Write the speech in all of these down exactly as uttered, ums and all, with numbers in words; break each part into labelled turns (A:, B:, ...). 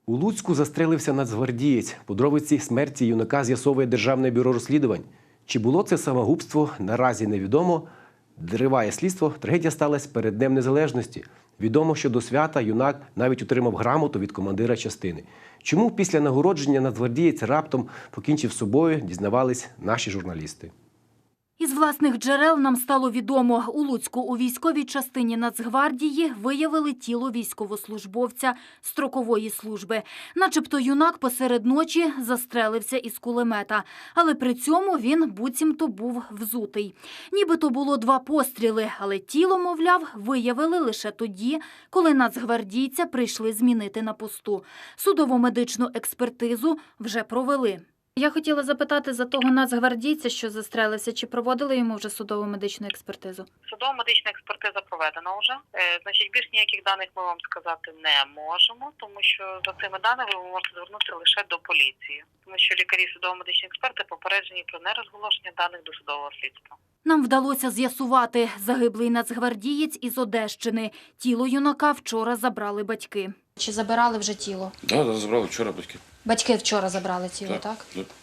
A: У Луцьку застрелився нацгвардієць. Подробиці смерті юнака з'ясовує Державне бюро розслідувань. Чи було це самогубство, наразі невідомо. Триває слідство. Трагедія сталася перед Днем Незалежності. Відомо, що до свята юнак навіть отримав грамоту від командира частини. Чому після нагородження нацгвардієць раптом покінчив з собою, дізнавались наші журналісти.
B: Із власних джерел нам стало відомо, у Луцьку у військовій частині Нацгвардії виявили тіло військовослужбовця строкової служби. Начебто юнак посеред ночі застрелився із кулемета, але при цьому він буцімто був взутий. Нібито було два постріли, але тіло, мовляв, виявили лише тоді, коли нацгвардійця прийшли змінити на посту. Судово-медичну експертизу вже провели. Я хотіла запитати за того нацгвардійця, що застрелився, чи проводили йому вже судово-медичну експертизу?
C: Судово-медична експертиза проведена вже. Е, значить, більш ніяких даних ми вам сказати не можемо, тому що за цими даними ви можете звернутися лише до поліції. Тому що лікарі судово-медичні експерти попереджені про нерозголошення даних до судового слідства.
B: Нам вдалося з'ясувати, загиблий нацгвардієць із Одещини. Тіло юнака вчора забрали батьки.
D: Чи забирали вже тіло?
E: Так, да, забрали вчора батьки.
D: Батьки вчора забрали тіло, так?
E: Так, так.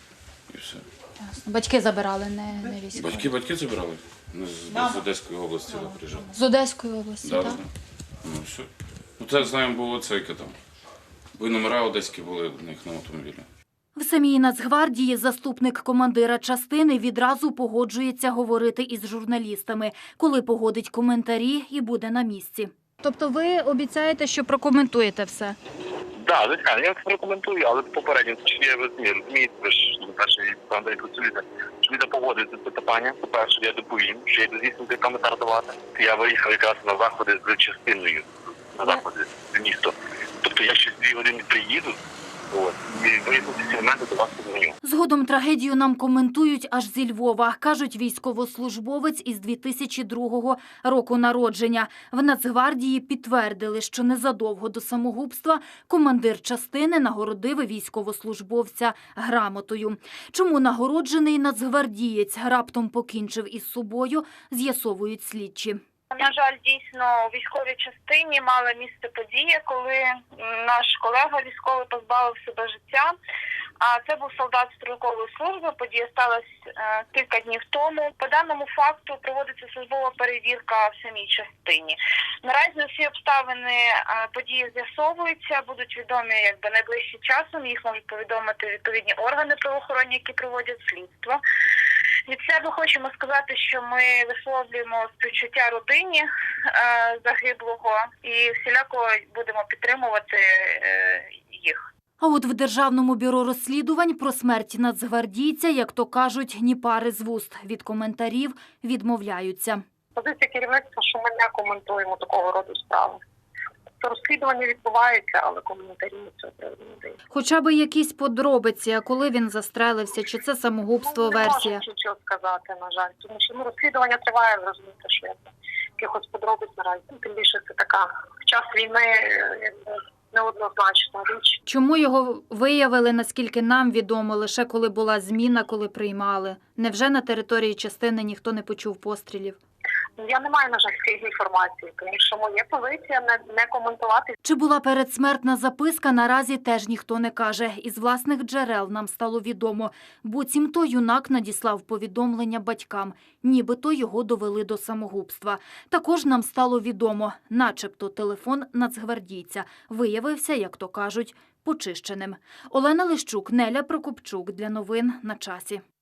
E: І все.
D: Ясно. Батьки забирали, не, не військові.
E: Батьки, батьки забирали. Ми з, з Одеської області да, приїжджали.
D: З Одеської області,
E: Да,
D: так?
E: да. Ну, все. Ну, це, знаємо, було це, яке там. Бо й номера одеські були в них на автомобілі.
B: В самій Нацгвардії заступник командира частини відразу погоджується говорити із журналістами, коли погодить коментарі і буде на місці. Тобто ви обіцяєте, що прокоментуєте все?
F: Так, да, звичайно, я це прокоментую, але попередньо, що я розумію, розумієте, ви ж перший командир працюєте, що ви погодите це питання, по-перше, я доповім, що я йду здійснити коментар давати. Я виїхав якраз на заходи з частиною, на заходи з місто. Тобто я ще дві години приїду, от, і виїхав ці моменти до вас подзвоню.
B: Згодом трагедію нам коментують аж зі Львова. Кажуть, військовослужбовець із дві тисячі другого року народження. В Нацгвардії підтвердили, що незадовго до самогубства командир частини нагородив військовослужбовця грамотою. Чому нагороджений нацгвардієць раптом покінчив із собою, з'ясовують слідчі.
C: На жаль, дійсно, у військовій частині мала місце подія, коли наш колега військовий позбавив себе життя. А це був солдат строкової служби. Подія сталася е, кілька днів тому. По даному факту проводиться службова перевірка в самій частині. Наразі всі обставини е, події з'ясовуються, будуть відомі якби найближчим часом. Їх можуть повідомити відповідні органи правоохоронні, які проводять слідство. Від себе хочемо сказати, що ми висловлюємо співчуття родині е, загиблого і всіляко будемо підтримувати е, їх.
B: А от в Державному бюро розслідувань про смерть нацгвардійця, як то кажуть, ні пари з вуст. Від коментарів відмовляються.
C: Позиція керівництва, що ми не коментуємо такого роду справи. Розслідування відбувається, але коментарі не цього приводу не дають.
B: Хоча б якісь подробиці, а коли він застрелився, чи це самогубство,
C: ну, не
B: версія?
C: Не можу нічого сказати, на жаль. Тому що ну, розслідування триває, ви розумієте, що я якихось подробиць наразі. Тим більше це така в час війни якби, неоднозначна річ.
B: Чому його виявили, наскільки нам відомо, лише коли була зміна, коли приймали? Невже на території частини ніхто не почув пострілів?
C: Я не маю, на жаль, цієї інформації, тому що моя позиція не, не коментувати.
B: Чи була передсмертна записка, наразі теж ніхто не каже. Із власних джерел нам стало відомо. Буцімто юнак надіслав повідомлення батькам. Нібито його довели до самогубства. Також нам стало відомо, начебто телефон нацгвардійця виявився, як то кажуть, почищеним. Олена Лищук, Неля Прокопчук. Для новин на часі.